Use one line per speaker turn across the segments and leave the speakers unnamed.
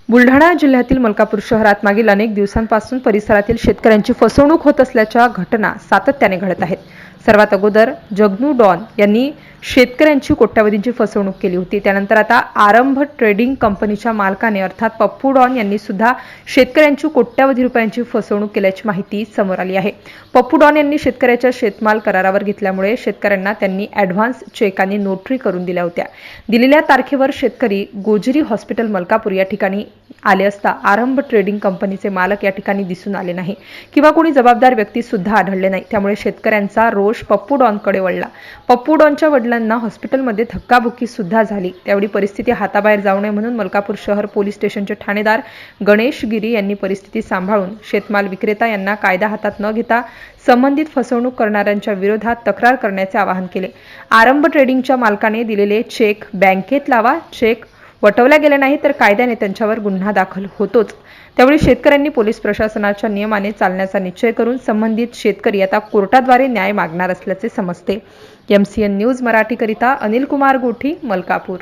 बुलढाणा जिल्ह्यातील मलकापूर शहरात मागील अनेक दिवसांपासून परिसरातील शेतकऱ्यांची फसवणूक होत असल्याच्या घटना सातत्याने घडत आहेत। सर्वात अगोदर जगनू डॉन यांनी शेतकऱ्यांची कोट्यावधींची फसवणूक केली होती। त्यानंतर आता आरंभ ट्रेडिंग कंपनीच्या मालकाने अर्थात पप्पू डॉन यांनी सुद्धा शेतकऱ्यांची कोट्यावधी रुपयांची फसवणूक केल्याची माहिती समोर आली आहे। पप्पू डॉन यांनी शेतकऱ्याच्या शेतमाल करारावर घेतल्यामुळे शेतकऱ्यांना त्यांनी ॲडव्हान्स चेक आणि नोटरी करून दिल्या होत्या। दिलेल्या तारखेवर शेतकरी गोजरी हॉस्पिटल मलकापूर या ठिकाणी आले असता आरंभ ट्रेडिंग कंपनीचे मालक या ठिकाणी दिसून आले नाही किंवा कोणी जबाबदार व्यक्ती सुद्धा आढळले नाही। त्यामुळे शेतकऱ्यांचा रोष पप्पू डॉनकडे वळला। पप्पू डॉनच्या वडिलांना हॉस्पिटलमध्ये धक्काबुक्की सुद्धा झाली। त्यावेळी परिस्थिती हाताबाहेर जाऊ नये म्हणून मलकापूर शहर पोलीस स्टेशनचे ठाणेदार गणेश गिरी यांनी परिस्थिती सांभाळून शेतमाल विक्रेता यांना कायदा हातात न घेता संबंधित फसवणूक करणाऱ्यांच्या विरोधात तक्रार करण्याचे आवाहन केले। आरंभ ट्रेडिंगच्या मालकाने दिलेले चेक बँकेत लावा, चेक वटवल्या गेले नाही तर कायद्याने त्यांच्यावर गुन्हा दाखल होतोच। त्यावेळी शेतकऱ्यांनी पोलीस प्रशासनाच्या नियमाने चालण्याचा निश्चय करून संबंधित शेतकरी आता कोर्टाद्वारे न्याय मागणार असल्याचे समजते। MCN न्यूज मराठी करिता अनिल कुमार गोठी, मलकापूर।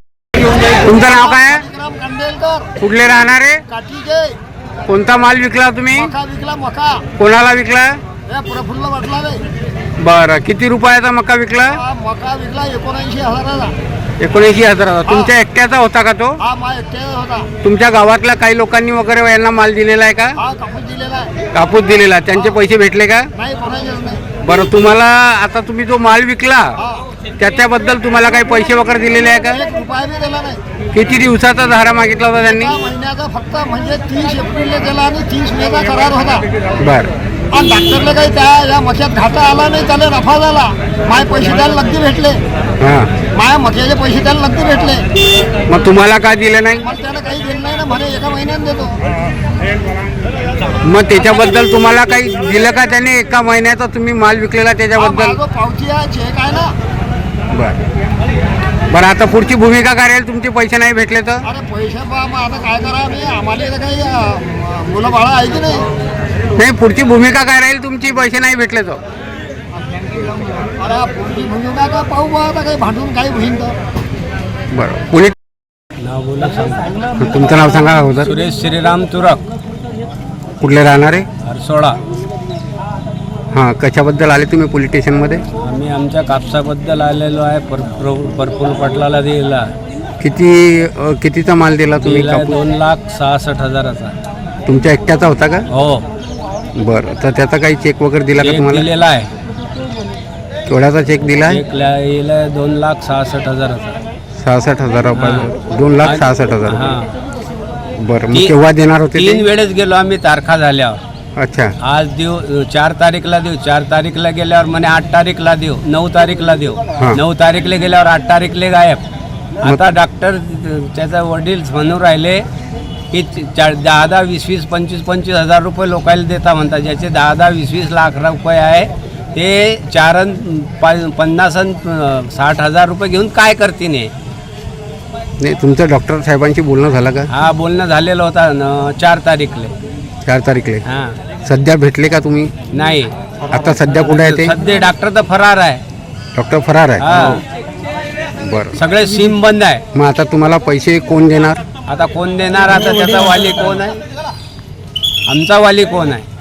तुमचं नाव काय? कुठले राहणारे? कोणता माल विकला तुम्ही?
मका
कोणाला विकला?
प्रफुल्ल वाटला।
बरं, किती रुपयाचा मका विकला?
मका विकला 79,000ला।
79,000। तुमच्या एकट्याचा होता का तो?
हा, माझ्या एकट्याचा होता।
तुमच्या गावातल्या काही लोकांनी वगैरे यांना माल दिलेला आहे का?
हा, कापूस दिलेला आहे।
कापूस दिलेला, त्यांचे पैसे भेटले का?
नाही, कोणाचेच नाही।
बरं, तुम्हाला आता तुम्ही जो माल विकला
हा,
त्याच्याबद्दल तुम्हाला काही पैसे वगैरे दिलेले आहे का?
1 रुपया बी दिला नाही।
किती दिवसाचा धारा मागितला होता त्यांनी?
एका महिन्याचा फक्त, म्हणजे 30 एप्रिलला दिला आणि 30 मेचा करार होता।
बरं,
आणि डॉक्टरला काही या मक्यात घाटा आला नाही, त्याला नफा झाला। माझे पैसे त्याला नक्की भेटले।
हां,
माझ्या मक्याचे पैसे त्याला नक्की भेटले।
मग तुम्हाला काय दिलं नाही?
मग त्याला काही दिलं नाही ना, म्हणे एका महिन्यात देतो।
मग त्याच्याबद्दल तुम्हाला काही दिलं का त्याने? एका महिन्याचा तुम्ही माल विकलेला त्याच्याबद्दल?
पावती आहे, चेक आहे ना।
बरं, आता पुढची भूमिका काय राहील? तुमचे पैसे नाही भेटले तर?
अरे पैसे बा, मग आता काय करा? मी आम्हाला इथं काही मुलं बाळा आहे की नाही?
नाही, पुढची भूमिका काय राहील तुमची? पैसे नाही भेटले तर?
अरे पुढची भूमिका का पाहू बा, आता काही भांडून काही होईल तर।
बरं, पोलीस
नाव बोला सांगा।
तुमचं नाव सांगा अगोदर।
सुरेश श्रीराम तुरक,
कुठले राहणारे?
हरसोळा।
हां, कशाबद्दल आले तुम्ही पोलीस स्टेशनमध्ये?
आम्ही आमच्या कापसाबद्दल आलेलो आहे। प्रफुल्ल पाटलाला दिला।
कितीचा माल दिला तुम्ही?
2,66,000चा।
तुमच्या एकट्याचा होता का?
हो,
बरं, तर त्याचा काही चेक वगैरे दिला का
चेक
तुम्हाला?
दिलेला आहे।
केवढ्याचा चेक दिला?
चेक लिहिला 2,66,000चा।
66,000 रुपये। 2,66,000
हां,
रुपये। बरं, मग केव्हा देणार होते
3
ते?
वेळेस गेलो आम्ही तारखा झाल्यावर।
अच्छा,
आज देऊ, 4 तारीखला देऊ, 4 तारीखला गेल्यावर म्हणे 8 तारीखला देऊ, 9 तारीखला देऊ।
हां.
9 तारीखला गेल्यावर 8 तारीखला गायब। आता डॉक्टर त्याचा वडील म्हणून राहिले की 10-10, 20-20, 25-25 हजार रुपये लोकायला देता म्हणतात। ज्याचे 10-10, 20-20 लाख रुपये आहे ते 4 50 60 हजार रुपये घेऊन काय करतील?
नाही, तुमचं डॉक्टर साहेबांशी बोलणं झालं का?
हा, बोलणं झालेलं होता 4 तारीखले।
4 तारीखले?
हां,
सध्या भेटले का तुम्ही?
नाही।
आता सध्या कुठे आहे ते?
सध्या डॉक्टर तर फरार आहे।
डॉक्टर फरार आहे?
हा,
बरं,
सगळे सिम बंद आहे।
मग आता तुम्हाला पैसे कोण देणार?
आता कोण देणार? आता त्याचा वाली कोण आहे? आमचा वाली कोण आहे?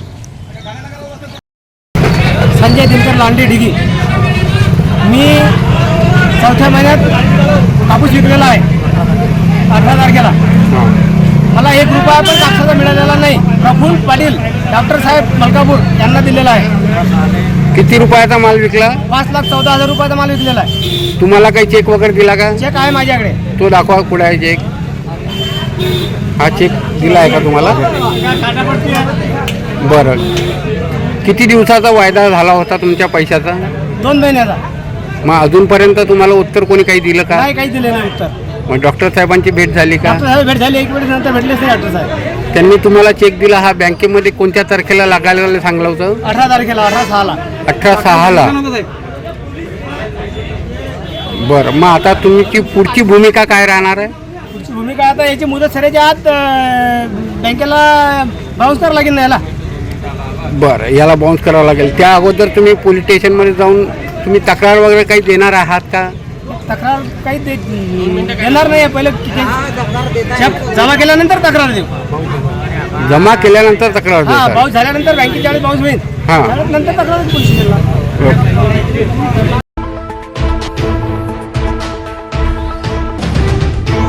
संजय दिनकर लांडे ढिगी। मी 4थ्या महिन्यात कापूस विकलेला आहे 18 तारखेला। मला 1 रुपया पण कापसाचा मिळालेला नाही। प्रफुल्ल पाटील डॉक्टर साहेब मलकापूर यांना दिलेला आहे।
किती रुपयाचा माल विकला?
5,14,000 रुपयाचा माल विकलेला आहे।
तुम्हाला काही चेक वगैरे दिला का?
चेक आहे माझ्याकडे।
तो दाखवा, कुठे आहे चेक? हा चेक दिला आहे का तुम्हाला? बरं, किती दिवसाचा वायदा झाला होता तुमच्या पैशाचा?
2 महिन्याचा।
मग अजूनपर्यंत तुम्हाला उत्तर कोणी काही दिलं का?
नाही, काही दिले नाही उत्तर।
मग डॉक्टर साहेबांची भेट झाली का?
डॉक्टर साहेब भेट झाली, 1 वेळेस नंतर भेटलेच नाही डॉक्टर साहेब।
त्यांनी तुम्हाला चेक दिला हा बँकेमध्ये कोणत्या तारखेला लागायला सांगलं होतं?
18 तारखेला, 18/6ला।
18/6ला? बरं, मग आता तुमची पुढची भूमिका काय राहणार आहे?
पुढची भूमिका आता याची मुदत सरायच्या आत बँकेला बाउन्स करावं लागेल ना याला।
बरं, याला बाउन्स करावं लागेल। त्या अगोदर तुम्ही पोलीस स्टेशनमध्ये जाऊन तुम्ही तक्रार वगैरे काही देणार आहात का?
तक्रार काही देणार नाही. पहिले चेक जमा केल्यानंतर तक्रार देऊ.
जमा केल्यानंतर तक्रार
हा,
देतात.
पाऊस झाल्यानंतर बँकेत ज्यावेळेस पाऊस होईल
हा.
त्यावेळेस नंतर तक्रार पोलीस स्टेशनला.
ओके.